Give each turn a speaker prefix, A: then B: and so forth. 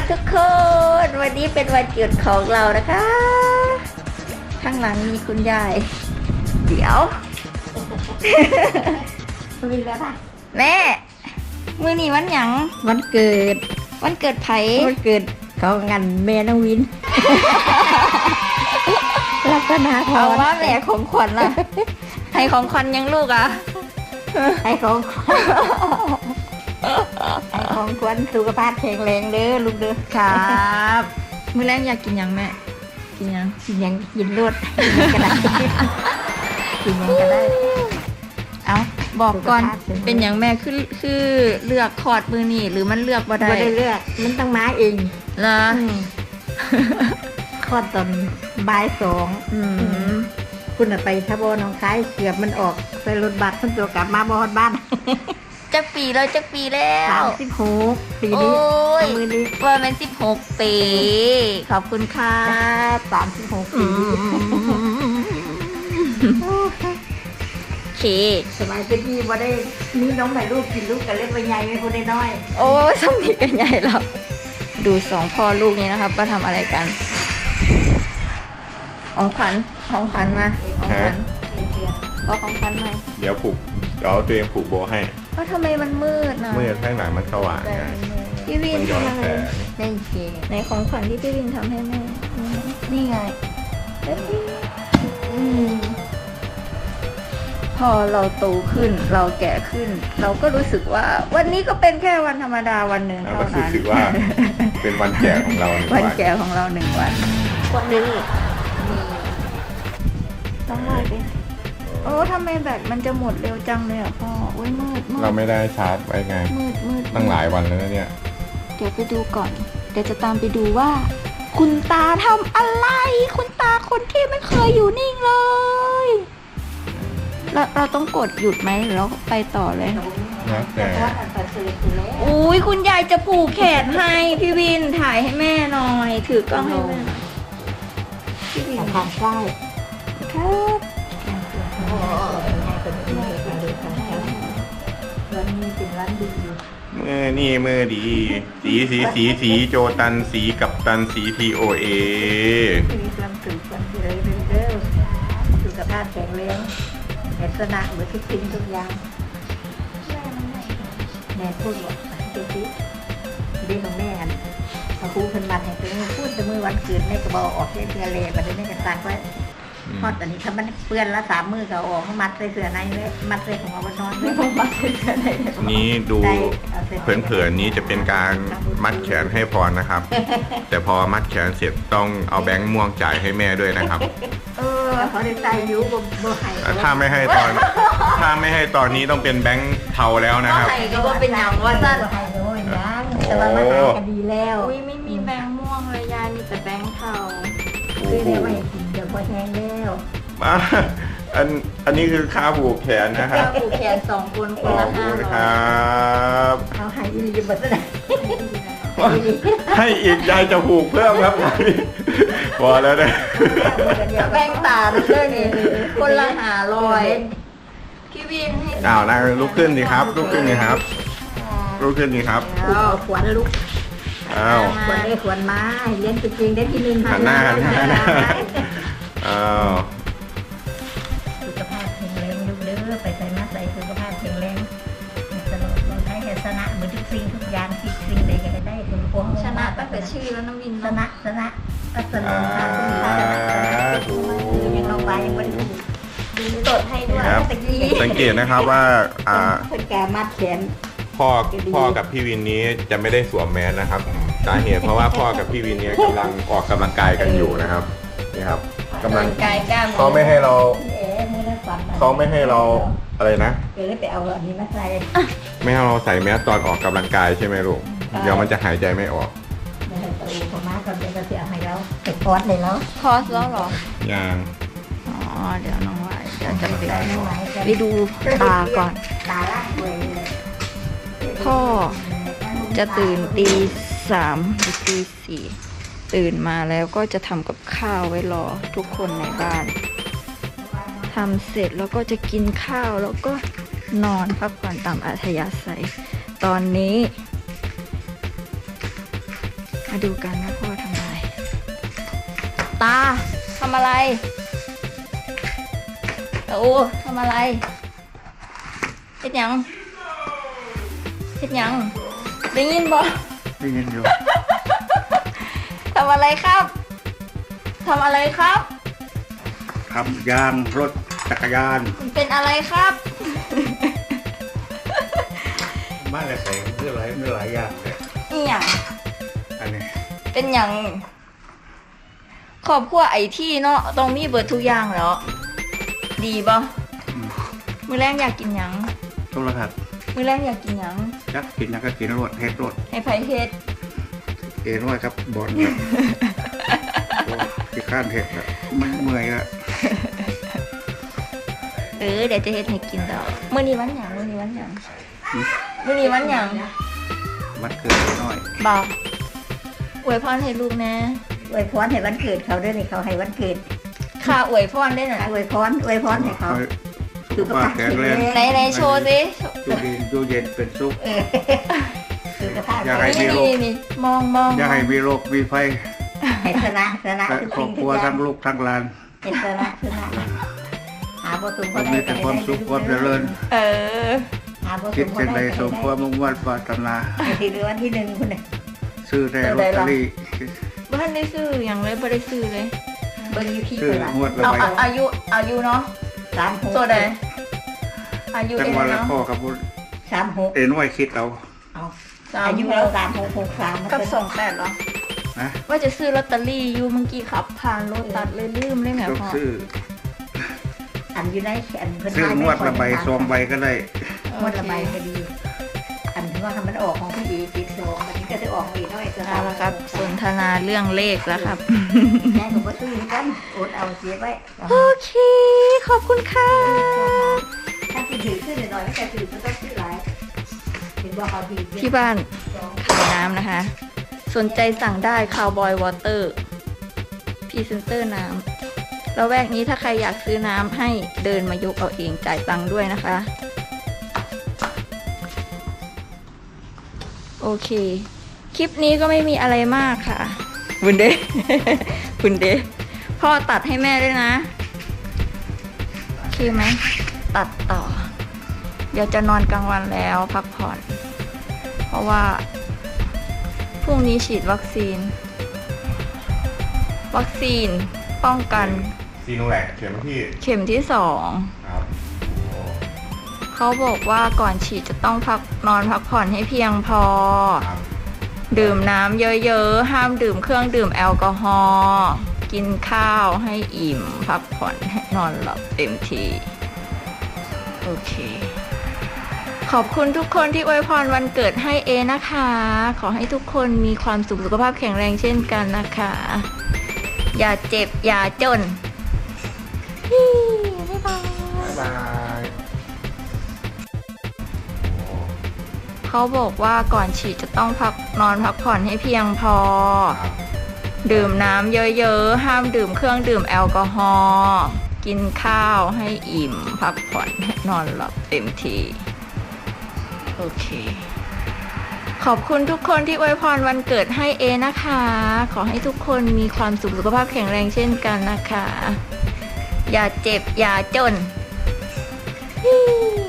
A: ทุกคน วันนี้เป็นวันหยุดของเรานะคะ ข้างหลังมีคุณยาย เดี๋ยว
B: มีแล้วป่ะ
A: แม่มื้อนี้วันหยัง
B: วันเกิด
A: ไผ
B: วันเกิดเขางานแม่น้องวินลัคนาพร
A: เอาว่าแม่ของขวัญล่ะ ให้ของขวัญยังลูกอ่ะ
B: ให้ของขวัญสุขภาพแข็งแรงเด้อลูกเด้อ
A: ครับมื้อแรกอยากกินยังแม่กินยัง
B: กินรวดก็ได้กินยังก็ได้
A: เอาบอกก่อนเป็นอย่างแม่คือเลือกคอร์ดมือนี่หรือมันเลือกบ่ได้
B: เลือกมันต้องมาเอง
A: เหรอ
B: คลอดตอนบ่าย2คุณไปทบน้องคายเกือบมันออกไปรถบัสทั้งตัวกลับมาบ่ฮอดบ้าน
A: จักปีแล้ว
B: 36ปีนี้มือนี้
A: ว่ามัน16ปีขอบคุณค่ะ
B: 36ปี
A: โอเค
B: สมัยเป็นพี่บ่ได้มีน้องใหม่ลูกกินลูกกันเล็กไปใหญ่ไม่คนได้น้อย
A: โอ้สมนิกันใหญ่แล้วดู2พ่อลูกนี้นะครับว่าทำอะไรกันของขวัญมาของขวัญมา
C: เดี๋ยวตัวเองผูกโบให้
A: เพราะทำไมมันมืดนะ
C: มืดข้างหลังมันสว่างไง
A: พี่วินทำอะไรในของขวัญที่พี่วินทำให้แม่นี่ไงพอเราโตขึ้นเราแก่ขึ้นเราก็รู้สึกว่าวันนี้ก็เป็นแค่วันธรรมดาวันหนึ่งเท่านั้น
C: รู้สึกว่าเป็นวันแก่ของเรา
A: วันแก่ของเรา1 วัน
B: คนนึง
A: ต้องไล่ไปโอ้ทำไมแบตมันจะหมดเร็วจังเลยอ่ะพ่อโอ้ยมืด
C: เราไม่ได้ชาร์จไว้ไง
A: มืด
C: ตั้งหลายวันแล้วเนี่ย
A: เดี๋ยวไปดูก่อนเดี๋ยวจะตามไปดูว่าคุณตาทำอะไรคุณตาคนที่ไม่เคยอยู่นิ่งเลยเราต้องกดหยุดไหมหรือเราไปต่อเลย
C: นะแต่
A: อุ้ยคุณยายจะผูกแขนให้พี่วินถ่ายให้แม่หน่อยถือกล้องให้แม่
B: พี่วินทางใกล้
A: ครับ
B: วันนี้เป็นวันดี
C: มือดีสีโจตันสีกับตันสีTOA
B: มีความสุขความเจริญเร็วสุขภาพแข็งแรงลักษณะเหมือนทุกสิ่งทุกอย่างแม่พูดว่าเดี๋ยวสิเด็กของแม่กันพอครูขึ้นมาให้ตัวพูดแต่เมื่อวันเกิดแม่ก็บอกออกเสื้อเลยมาได้แม่ก็ตักไว้พอตอนนี้ถ้ามันเปื้อนละ3 มือก็ออกมัดใส่เสื้อในเลยมัดใส่ของเรานอนเลยมัดใส่เสื้อใน
C: นี้ดูเผินๆนี้จะเป็นการมัดแขนให้พรนะครับ แต่พอมัดแขนเสร็จต้องเอาแบงค์ม่วงจ่ายให้แม่ด้วยนะครับ
B: เขาได้ใจยุ่งบ่ให้
C: ถ้าไม่ให้ตอนนี้ต้องเป็นแบงค์เทาแล้วนะครับ
A: ให้ก็ว่าเป็นอย่างว่าสั้น
B: ให้โอ้ยยังแต่ว่ามาหากันดีแล้ว
A: อุ้ยไม่มีแบงค์ม่วงเลยยายมีแต่แบงค์เทา
B: คือเดี๋ยวไม่กินเดี๋ยวพอแห้งแล้ว
C: อันนี้คือค่าผูกแขนนะครับ
A: ค่าผูกแขน2 คนคนละ500
C: ครับ
B: เอาให้ดีๆบัดนั้น
C: ให้อีกยายจะผูกเพิ่มครับพอแล้วนะ
A: แบงค์ตาด้วยนี่คนละ500พี่วินให้
C: นะลุกขึ้นดีครับลุกขึ้นดีครับ
B: ขวัญลุกขวัญได้ขวัญมาเรียนจริงได้ที่1
C: หันหน้า
B: สุขภาพแข็งแรงลูกเด้อไปใส่มาใส่สุขภาพแข็งแรงตลอดเราใช้ชนะเหมือนทุกสิ่งทุกอย่างคิดสิ่งใดก็ได้คุณพ่อ
A: ชนะตั้งแต่ชื่อแล้วน้องวิน
B: ชนะก็สนุกค่ะยังลงไปยังไม่ได้
A: ตดให้ด้วย
C: สังเกตนะครับว่า
B: คนแก่มัดแขน
C: พ่อกับพี่วินนี้จะไม่ได้สวมแมสนะครับสาเหตุเพราะว่าพ่อกับพี่วินนี้กำลังออกกำลังกายกันอยู่นะครับนี่ครับกำลังเขาไม่ให้เราอะไรนะ
B: ไปเอาอันนี้มาใส่
C: ไม่ให้เราใส่แมสตอนออกกำลังกายใช่ไหมลูกเดี๋ยวมันจะหายใจไม่ออก
B: ไม่ให้ตัวพม่าก่อนเดี๋ยวจะเสียให้เราเป็นคอร์สเลยแล้ว
A: คอร์สแล้วหรอ
C: ยัง
A: เดี๋ยวน้องไว้เดี๋ยวจะไปดูตาก่อน
B: ตาล่างเลย
A: พ่อจะตื่นตี 3 หรือตี 4ตื่นมาแล้วก็จะทำกับข้าวไว้รอทุกคนในบ้านทำเสร็จแล้วก็จะกินข้าวแล้วก็นอนพักผ่อนตามอัธยาศัยตอนนี้มาดูกันว่าพ่อทำอะไร ตาทำอะไรโอ้ทำอะไรเฮ็ดหยังเฮ็ดหยังได้ยินบ่
D: ได้ยินอยู่
A: ทำอะไรครับทำอะไรครับ
D: ทำยางรถจักรยาน
A: มันเป็นอะไรครับ
D: บ้านอะไรใส่เพื่อหลายอย่างเลย
A: นี่หยัง
D: อันนี้
A: เป็นหยังครอบครัวไอที่เนาะต้องมีเบิดทุกอย่างแล้ว ดีบ่มื้อแรกอยากกินหยัง
D: โทรทัศน์
A: มื้อแรกอยากกินหยัง
D: จักกินยังก็กินรถเฮ็ดรถ
A: ให้ไผเฮ็ด
D: เอ็นไว้ครับบอลครับที่ข้านเฮ็ดอะมันเมื่อยละ
A: เดี๋ยวจะเฮ็ดให้กินดอกมื้อนี้วันหยังมื้อนี้วันหยังมื้อนี้วันหยัง
D: วัดเกิดน้อย
A: บ่อวยพรให้ลูกนะ
B: อวยพรให้วันเกิดเขาด้วยนี่เขาให้วันเกิด
A: ค่ะอวยพรได้หน่อย
B: อวยพรให้เขา
D: ให้สุขภาพแข็งแรง
A: ไหนโชว์สิ
D: อยู่ดีอยู่เย็นเป็นสุข
B: สุขภาพ
D: อยากให้มีโรค
A: นี่มอง
D: อย่าให้มีโรคมีภัย
B: ให้ชนะ
D: และครอบครัวทั้งลูกทั้งหลาน
B: เป็นชนะหาบ่ตุน
D: มันมีแต่ความสุขความเจริญ
A: เออ
B: หาบ่ตุ
D: คิด
B: น
D: สิ่งใดสมความมุ่งมั่นปรารถนา
B: ที่เดือนที่1คุณน่ะ
D: ซื้อได้ลอตเตอรี่
A: บ้านได้ซื้ออย่างเลยบ่ได้ซื้อเลย
B: เบิ่งอยู่พี่
D: ซื้อ
B: เพิ่นล่ะ
D: งวดละ
A: เอา
D: ใบ
A: อายุเนาะ
B: 36
A: โซใดอายุ
D: จัง
A: เอ็น
D: หวัดละ
A: เนาะ
D: พ่อกับบุญ
B: 36
D: เอ็นไว้คิดเอา
B: เอา
A: สาม
B: อายุ
A: ห
B: เรา
A: ก
B: 3663
A: กับ28เหรอ
D: นะ
A: ว่าจะซื้อลอตเตอรี่อยู่เมื่อกี้ขับผ่านรถตัดเลยลืมเลยแหม
D: ต้อง
A: พ่อ
D: ซื้อ
B: อันอยู่ในอันเพิ่น
D: ซื้องวดละใบสองใบก็ได้
B: งวดละใบก็ดี อันที่ว่ามันออกของพี่ดีติด2มันก็จะออกอีกน้อยจะ
A: เอาละครับสนทนาเรื่องเลขแล้วครับ
B: แม่ก็บ่ซื้อกันอดเอาเสียไว้
A: โอเค ขอบคุณค่ะ
B: ถ้าสิถือขึ้นหน่อยไม่แต่ถือก็ต้องซื้อหลายเห็นว่าเขาถือ
A: ที่บ้านขายน้ำนะคะ สนใจสั่งได้คาวบอยวอเตอร์พรีเซนเตอร์น้ำแล้วแวกนี้ถ้าใครอยากซื้อน้ำให้เดินมายกเอาเองจ่ายตังค์ด้วยนะคะ โอเค คลิปนี้ก็ไม่มีอะไรมากค่ะ บุญเด บุญเดพ่อตัดให้แม่ด้วยนะโอเคไหมตัดต่อ เดี๋ยวจะนอนกลางวันแล้วพักผ่อน เพราะว่าพรุ่งนี้ฉีดวัคซีนป้องกัน
C: ซีโนแวคเข็มที่
A: เข็มที่
C: ครับ
A: 2เขาบอกว่าก่อนฉีดจะต้องนอนพักผ่อนให้เพียงพอ
C: ครับ
A: ดื่มน้ำเยอะๆ ห้ามดื่มเครื่องดื่มแอลกอฮอล์กินข้าวให้อิ่ม พักผ่อนให้นอนหลับเต็มที่โอเค ขอบคุณทุกคนที่อวยพรวันเกิดให้เอนะคะ ขอให้ทุกคนมีความสุขสุขภาพแข็งแรงเช่นกันนะคะ อย่าเจ็บอย่าจนบ๊ายบาย
C: บ๊ายบาย
A: เขาบอกว่าก่อนฉีดจะต้องนอนพักผ่อนให้เพียงพอ
C: ครับ
A: ดื่มน้ำเยอะๆ ห้ามดื่มเครื่องดื่มแอลกอฮอล์กินข้าวให้อิ่ม พักผ่อนให้นอนหลับเต็มที่โอเค ขอบคุณทุกคนที่อวยพรวันเกิดให้เอนะคะ ขอให้ทุกคนมีความสุขสุขภาพแข็งแรงเช่นกันนะคะ อย่าเจ็บอย่าจน